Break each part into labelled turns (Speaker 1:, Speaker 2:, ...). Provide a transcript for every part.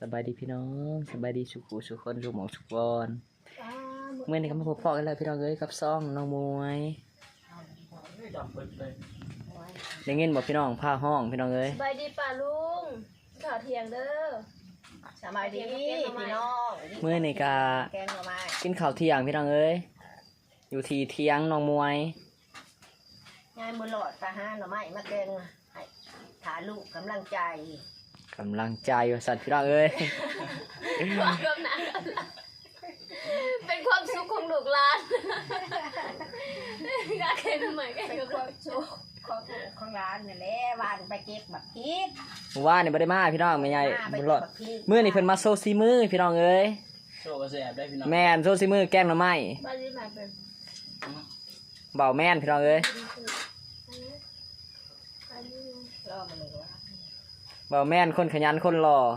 Speaker 1: บายดีพี่น้องสบายดีสุขุสุขคนสุขหมองสุขบอลเมื่อนี้ก็มาพบพ่อกันแล้วพี่น้องเอ้ยกับซ่องน้องมวยได้เงินบอกพี่น้องผ้าห้องพี่น้องเอ้ย
Speaker 2: สบายดีป่าลุงข่าวเที่ยงเด้อ
Speaker 3: สบายดีพี่น้อง
Speaker 1: เมื่อนี้ก็กินข้าวเที่ยงพี่น้องเอ้ยอยู่ที่เที่ยงน้องมวย
Speaker 3: ยายมือหลอดตาห้าหน่อไม้มาแกงให้ถาลูกกำลังใจ
Speaker 1: ว่าสัตว์พี่น้องเอ้ย
Speaker 2: เป็นความสุขของลูกหลานกาเค็มเหมือนกัน
Speaker 3: เป็นความสุขของร้านนี่แหละวานไปเก็บบักพริก
Speaker 1: ว่านี่บ่ได้มาพี่น้องไม่ใหญ่บุญรอดมื้อนี้เพิ่นมาโซซีมือพี่น้องเอ้ย
Speaker 4: โซก็แซ่บได้พี่น้อง
Speaker 1: แม่นโซซีมือแกงหน่อไม้
Speaker 2: บ้านนี้มาเป็น
Speaker 1: เบาแม่นพี่น้องเอ้ย
Speaker 3: รอมาเลยว่า
Speaker 1: เบาแม่นคนขยันคนหล่อ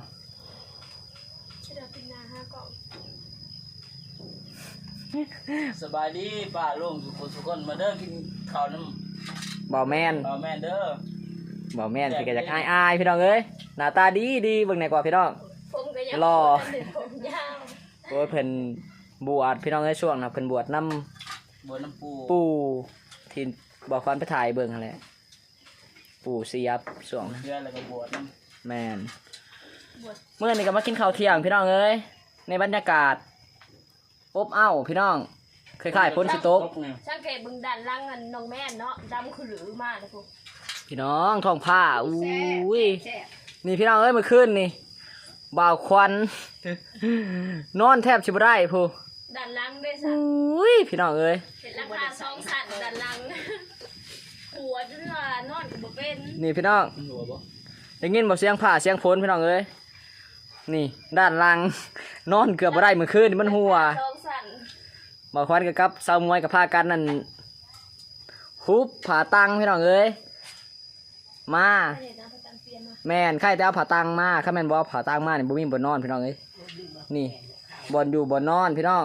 Speaker 4: สบายดีป้าลุงสุขคนมาเด้อกินข้าวน้
Speaker 1: ำเบาแม่น
Speaker 4: เด้อ
Speaker 1: เบาแม่นพี่ก็อยากอายพี่น้องเอ้ยหน้าตาดีเบิ่งไหนกว่าพี่น้องหล่อโอ้ยเพิ่นบวชพี่น้องเอ้ยช่วงน่ะเพิ่นบวชน้ำปู่ที่บอกฟันไปถ่ายเบิ่งอะไรปู่เสียบช่วง
Speaker 4: เดือนแล้วก็บวชน้
Speaker 1: ำแม่นเมื่อนี้ก็มากินข้าวเที่ยงพี่น้องเอ้ยในบรรยากาศอบอ้าวพี่น้องคล้ายๆพ้นสิตก
Speaker 2: ช่างเกตบึงดันล่างเงินน้องแม่เนาะดำคือหรือมากนะพู
Speaker 1: พี่น้องท้องผ้าอุ้ยนี่พี่น้องเอ้ยเมื่อคืนนี่บ่าวควันนอนแทบชิบได้พู
Speaker 2: ดันล่างด้วยสั
Speaker 1: อุ้ยพี่น้องเอ้ย
Speaker 2: เห็นราคา2 สัตว์ดันล่างหัวจนว่านอนกับบ่เป็น
Speaker 1: นี่พี่น้องได้ยินบ่เสียงผ้าเสียงฝนพี่น้องเอ้ยนี่ด้านล่างนอนเกือบบ่ได้เมื่อคืนนี่มันหัวบ่าวควันกับสาวมวยกับผ้ากันนั่นฮุบผ่าตังพี่น้องเอ้ยมาแม่นใครแต่เอาผ่าตังมาข้าแม่นบ่ผ่าตังมานี่บ่มีบ่นอนพี่น้องเอ้ยนี่บ่อยู่บ่นอนพี่น้อง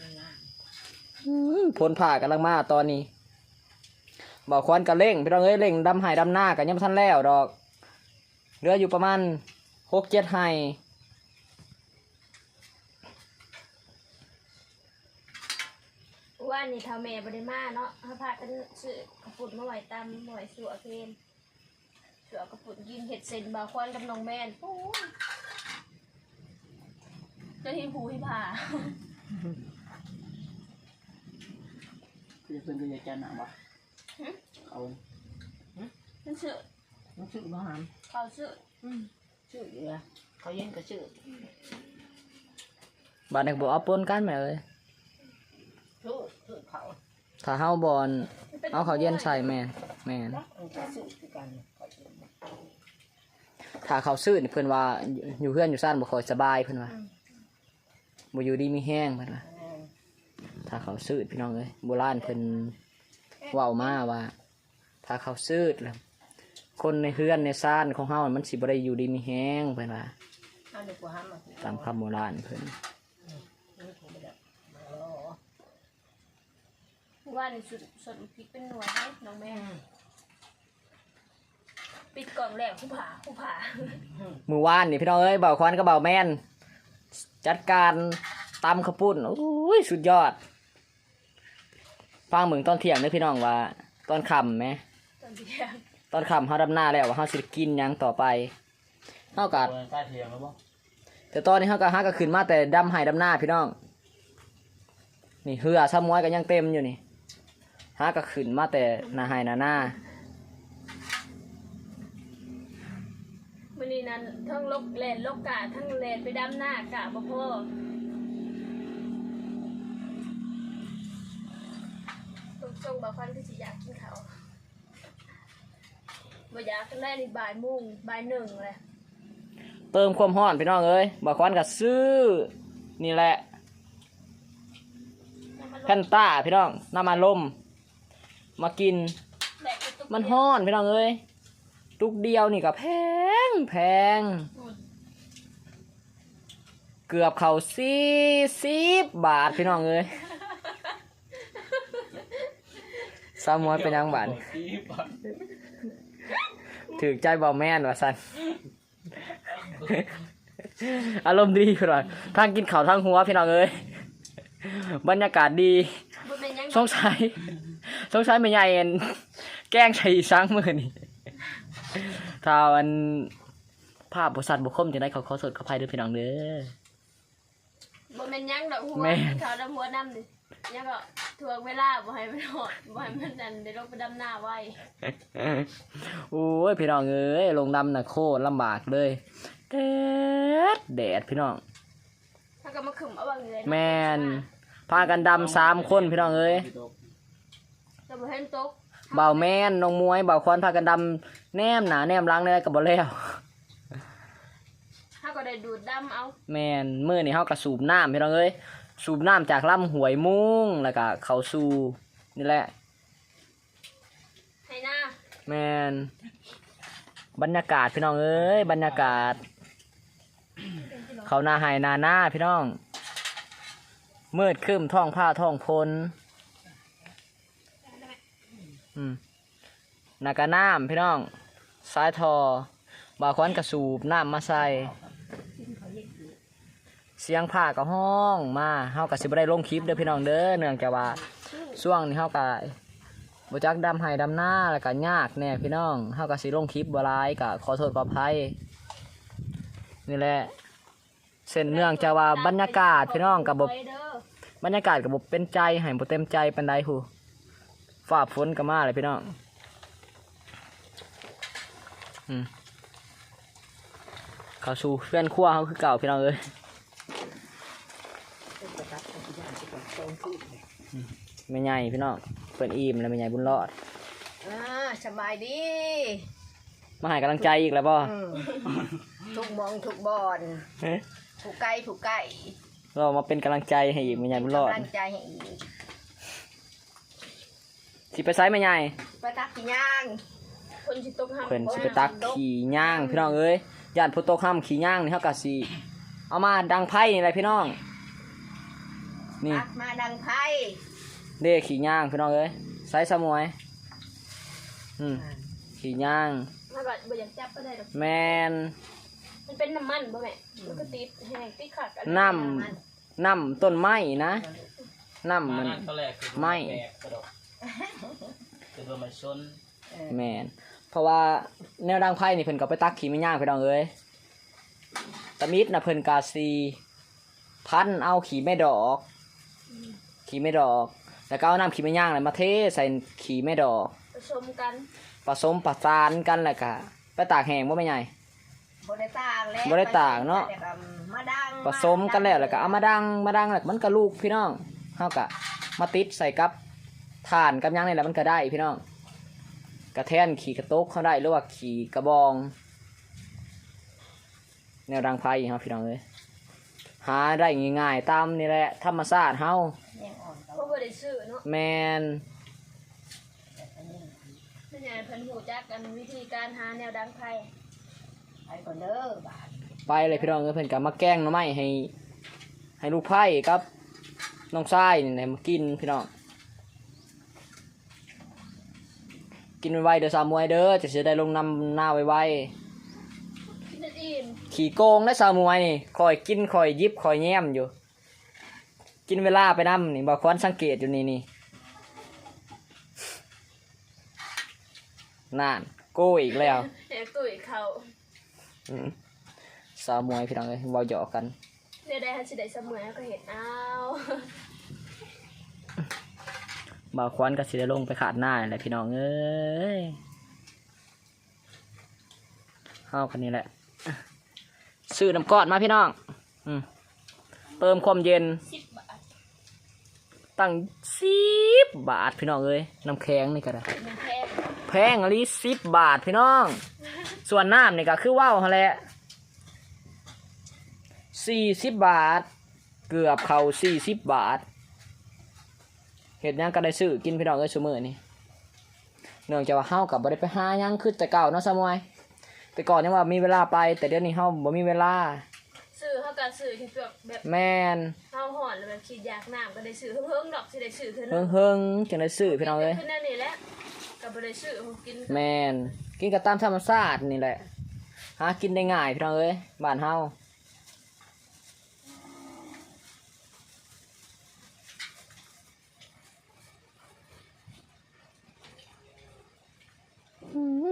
Speaker 1: พ้นผ่ากำลังมาตอนนี้บ่าวควันก็เร่งพี่น้องเอ้ยเร่งดำไห้ดำหน้ากันยังบ่ทันแล้วดอกเหลืออยู่ประมาณ 6-7 ไห้
Speaker 2: ว่านี่ทำแม่บริมาเนาะเขาพากันซื้อกระปุกมาไหวตำไหวสัวเพนสัวกระปุกกินเห็ดเซนบาควันกับน้องแม่นโอ้ยจะที่ผูที่ผ่า
Speaker 4: คือเพิ่นก็อยากจะหนักบ่เอา
Speaker 2: นั่นซื้อ
Speaker 3: บ่หาม
Speaker 2: เขาซื้อ
Speaker 3: ชื่อเยอะเขาเย็นก็ชื่อ
Speaker 1: บ้านเด็กบ่เอาปนกันแม่เอ้ยถ้าเฮาบอลเอาเขาเย็นใส่แม่ถ้าเขาซื้อเพิ่นว่าอยู่เพื่อนอยู่ซ่านบ่ค่อยสบายเพิ่นว่าบ่อยู่ดีมีแห้งเพิ่นว่าถ้าเขาซื้อพี่น้องเอ้ยโบราณเพิ่นเว้ามาว่าถ้าเขาซื้อแล้วคนในเฮือนในซ่านของเฮามันสิบ่ได้อยู่ดีมีแห้งเพิ่นว่าตามคำโบราณเพิ่น
Speaker 2: ว่าในสดพริกเป็นหน่วยให้น้องแม่ปิดกล่องแล้วผู้ผ่า
Speaker 1: มือวานนี่พี่น้องเอ้ยเบาควันก็เบาแม่นจัดการตำข้าวปุ้นโอ้ยสุดยอดฟังเหมือนตอนเที่ยงเด้อพี่น้องว่าตอนค่ำไหมตอนค่ำเฮาดำหน้าแล้วว่าเฮาสิกินยังต่อไปเฮาก็แต่ตอนนี้เฮาก็ขึ้นมาแต่ดำไห้ดำหน้าพี่น้องนี่เหือซ้ำม้อยก็ยังเต็มอยู่นี่ฮะก็ขึ้นมาแต่หน้าไห้หน้า
Speaker 2: วันนี้นั้นทั้งลกแลนลกกะทั้งแลนไปดำหน้ากะบ่พอทรงบ่าวฟันคือสิอยากกินเขาบ่อยากกันแรกนี่บ่ายโมงบ่าย1เลย
Speaker 1: เติมความร้อนพี่น้องเอ้ยบ่าวควันก็ซื้อนี่แหละแพนต้าพี่น้องน้ำมันลมมากินมันฮ้อนพี่น้องเอ้ยตุกเดียวนี่ก็แพงเกือบเข้า40 บาทพี่น้องเอ้ยสามม้อยเป็นยังบาทถือใจเบาแม่นว่าสันอารมณ์ดีพี่น้องทางกินข้าวทางหัวพี่น้องเอ้ยบรรยากาศดี
Speaker 2: บ่แม่นยัง
Speaker 1: สงสัยไม่ใหญ่เอ็นแกล้งใช้ช้างมือนี่ถ้าวันภาพบริษัทบุคคลจะได้ขอโทษขออภัยด้วยพี่น้องเด้อ
Speaker 2: บ่แม่นยังดอกหัว
Speaker 1: แม่น
Speaker 2: เขาดำหัวดำดิยังก็ถ่วงเวลาบ่ให้มันหอดบ่ให้มันนั่นได้ลงไปดำหน้าไว้
Speaker 1: โอ้ยพี่น้องเอ้ยลงดำน่ะโคตรลำบากเลยแดดพี่น้อง
Speaker 2: ถ้าก็มาขึ้มเอาบางเลย
Speaker 1: แมนพากันดำ3 คนพี่น้องเอ้ย
Speaker 2: ก็บ่เห็นตก
Speaker 1: เบาแม่นน้องมวยเบาควันพากันดำแนมหนาแนมหล้างได้กับบ่แล้ว
Speaker 2: ถ้าก็ได้ดูดดำเอา
Speaker 1: แมนมื้อนี้เฮาก็สูบน้ำพี่น้องเอ้ยสูบน้ำจากลำห้วยมุ้งแล้วก็เข้าสู่นี่แหละ
Speaker 2: ให้หน้า
Speaker 1: แมนบรรยากาศพี่น้องเอ้ยบรรยากาศ เขาหน้าไห้หน้าพี่น้องมืดครึ้มท้องผ้าท้องพลนากะน้ำพี่น้องสายทอบาควันกระสูบน้ำมาใส่เสียงผ้ากับห้องมาเฮากับสิบ่ได้ลงคลิปเด้อพี่น้องเด้อเนื่องจากว่าช่วงนี้เฮากับบ่จักดำไห้ดำหน้าแล้วก็ยากแน่พี่น้องเฮากับสิลงคลิปบ่หลายก็ขอโทษขออภัยนี่แหละเส้นเนื่องจากว่าบรรยากาศพี่น้องกับบรรยากาศกับบเป็นใจให้บ่เต็มใจปานใดหูฟ้าฝนก็มาเลยพี่น้องเข้าสู่เพื่อนครัวเขาคือเก่าพี่น้องเอ้ยแม่ใหญ่พี่น้องเพิ่นอิ่มแล้วแม่ใหญ่บุญรอด
Speaker 3: สบายดี
Speaker 1: มาให้กำลังใจอีกแล้วบ่
Speaker 3: ทุกมองทุกบอนถูกไก่ถูกไก่
Speaker 1: เรามาเป็นกำลังใจให้อีกแม่ใหญ่บุญรอด
Speaker 3: กำลังใจให้อีก
Speaker 1: สิไปไสแม่ใหญ่
Speaker 3: ไปตักกี่ย่าง
Speaker 2: คนสิตกห้าม
Speaker 1: เพิ่นสิไปตักขี่ย่างพี่น้องเอ้ยย่านพุทโตค่ำขี่ย่างนี่เฮาก็สิเอามาดังไพ่นี่แหละพี่น้องนี่
Speaker 3: ตักมาดังไพ่
Speaker 1: เด้ขี่ย่างพี่น้องเอ้ยไซส์สมวยขี่ย่าง
Speaker 2: ถ้าก็บ่อยากจับก็ได้ดอก
Speaker 1: แมน
Speaker 2: มันเป็นน้ำมันบ่แม่มันก็ติดแห้งติดขัดกัน
Speaker 1: น้ำต้นไม้นะน้ำมัน
Speaker 4: ตอนแรกคือ
Speaker 1: ไม่
Speaker 4: แปลกกระดกคือว่ามันซน
Speaker 1: แมนเพราะว่าแนวดังไพ่นี่เพิ่นก็ไปตักขี่ไม่ย่างพี่น้องเอ้ยตะมิดนะเพิ่นกาซีพันเอาขี่ไม่ดอกแล้วก็เอาน้ำขี่ไม่ย่างเลยมาเทใส่ขี่ไม่ดอก
Speaker 2: ผสมกัน
Speaker 1: ผสมประสานกันแล้วก็ไปตากแห้งบ่แม่ใหญ่
Speaker 3: บริตากแล้ว
Speaker 1: บ่ได้ตากเนาะ
Speaker 3: มาดัง
Speaker 1: ผสมกันแล้วก็เอามาดังแล้วมันก็ลูกพี่น้องเฮาก็มาติดใส่กับถ่านกับหยังนี่แหละมันก็ได้พี่น้องกระแทนขี่กระตกเขาได้หรือว่าขี่กระบอง แนวดังไพ่เฮาพี่น้องเอ้ยหาได้ง่ายๆตามนี่แหละธรรมชาติเฮา
Speaker 3: ยังอ่อน
Speaker 2: เพราะบ่ได้ซื้อเนาะ
Speaker 1: แมน
Speaker 2: แม่ใหญ่เพิ่นฮู้จักกันวิธีการหาแนวดังไผ
Speaker 3: ไปก่อนเด้อบาท
Speaker 1: ไปเลยพี่น้องเอ้ยเพิ่นก็มาแกล้งหน่อไม้ให้ลูกไผ่กับน้องชายนี่แหละมากินพี่น้องกินไวๆเด้อสามมวยเด้อจะสิได้ลงนำหน้าไว
Speaker 2: กินได้อิ่ม
Speaker 1: ๆขี่โกงได้สามมวยนี่คอยกินคอยยิบคอยแย้มอยู่ กินเวลาไปนำนี่บ่ควรสังเกตอยู่นี่นั่นโก้อีกแล้ว
Speaker 2: แหกตุ้ยเขา
Speaker 1: สาวมวยพี่น้องเอ้ยเว้าหยอกกัน
Speaker 2: เดี๋ยวได้สิได้เสมอก็เห็นเอา
Speaker 1: บ่าวควันก็สิได้ลงไปขาดหน้าแหละพี่น้องเอ้ยเฮากันนี่แหละซื้อน้ำก้อนมาพี่น้องเติมความเย็น
Speaker 2: 10 บาท
Speaker 1: ตั้ง10 บาทพี่น้องเอ้ยน้ำแข็งนี่ก็ได้
Speaker 2: มันแพง
Speaker 1: แพงอะลิ10 บาทพี่น้อง ส่วนน้ำนี่ก็คือว่าวหั่นแหละ40 บาท เกือบเข้า40 บาทเห็ดหยังก็ได้ซื้อกินพี่น้องเอ้ยซุมื้อนี่เนื่องจากว่าเฮาก็บ่ได้ไปหาหยังคือแต่เก่าเนาะซะมวยแต่ก่อนยังว่ามีเวลาไปแต่เดี๋ยวนี้เฮาบ่มีเวลา
Speaker 2: ซื้อเฮาก็ซื้อที่แบบ
Speaker 1: แม่น
Speaker 2: เฮาห่อนแล้วแบบคิดอยากน้ำก็ได้ซื้อเฮิงๆดอกสิได้ซื้อเท่า
Speaker 1: เฮิ
Speaker 2: นั้น
Speaker 1: งเฮิงจังได้ซื้อพี่น้องเอ้ย
Speaker 2: ขึ้นนั่นนี่แหละก็บ่ได้ซื้อผมกิน
Speaker 1: แม่นกินกับตามธรรมชาตินี่แหละหากินได้ง่ายพี่น้องเอ้ยบ้านเฮา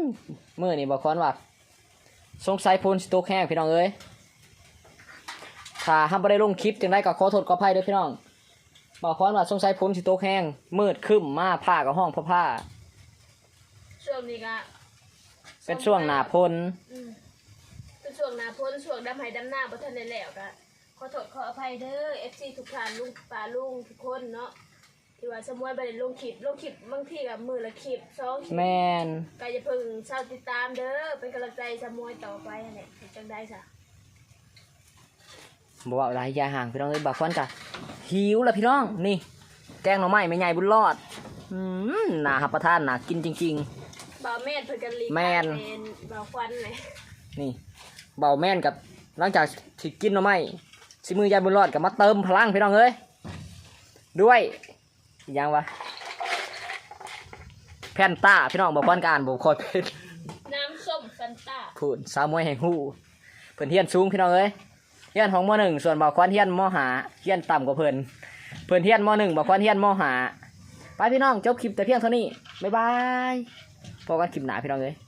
Speaker 1: มื้อนี่บอกคอนว่าสงสัยพูนสิตกแห้งพี่น้องเอ้ยถ้าห้ามบ่ได้ลงคลิปจังได๋ก็ขอโทษขออภัยเด้อพี่น้องบอกคอนว่าสงสัยพูนสิตกแห้งมืดครึ้มมาผ้าก็ห้องผ้า
Speaker 2: ช่วงนี้ก็
Speaker 1: เป็นช่วงหน้าฝน
Speaker 2: เป็นช่วงหน้าฝนช่วงดำไห้ดำหน้าบ่ทันได้แล้วก็ขอโทษขออภัยเด้อ FC ทุกท่านลุงป้าลุงทุกคนเนาะที่ว่าสมมุติบ่ได้ลงคลิปบางทีก็มื้อละคลิป2คลิป
Speaker 1: แม่น
Speaker 2: ก็อย่าเพิ่งเศร้าติดตามเด้อเป็นกำลังใจสมวยต่อไปนั่นแหละจังได้ซะ
Speaker 1: บ่ว่าหลายอยาห่างพี่น้องเอ้ยบอกคอนจ้ะหิวแล้วพี่น้องนี่แกงหน่อไม้แม่ใหญ่บุญรอดน่ารับประทานน่ากินจริง
Speaker 2: บ่าวแม่นเพิ่นกันลี
Speaker 1: แม่น
Speaker 2: เป็นบ่าวควันเลย
Speaker 1: ๆนี่เบาแม่นกับหลังจากที่กินหน่อไม้สิมือยายบุญรอดก็มาเติมพลังพี่น้องเอ้ยด้วยอีกอย่างวะแพนต้าพี่น้องบอกคอนก็อ่านบ่ค่อยเป็น
Speaker 2: น้ำส้มแฟนต้า
Speaker 1: พูดสาวมวยแห่งฮู้เพิ่นเฮียนสูงพี่น้องเอ้ยเฮียนของม.1ส่วนบ่าวควันเฮียนม.5เฮียนต่ำกว่าเพิ่นเฮียนม.1บ่าวควันเฮียนม.5ไปพี่น้องจบคลิปแต่เพียงเท่านี้บ๊ายบายพบกันคลิปหน้าพี่น้องเอ้ย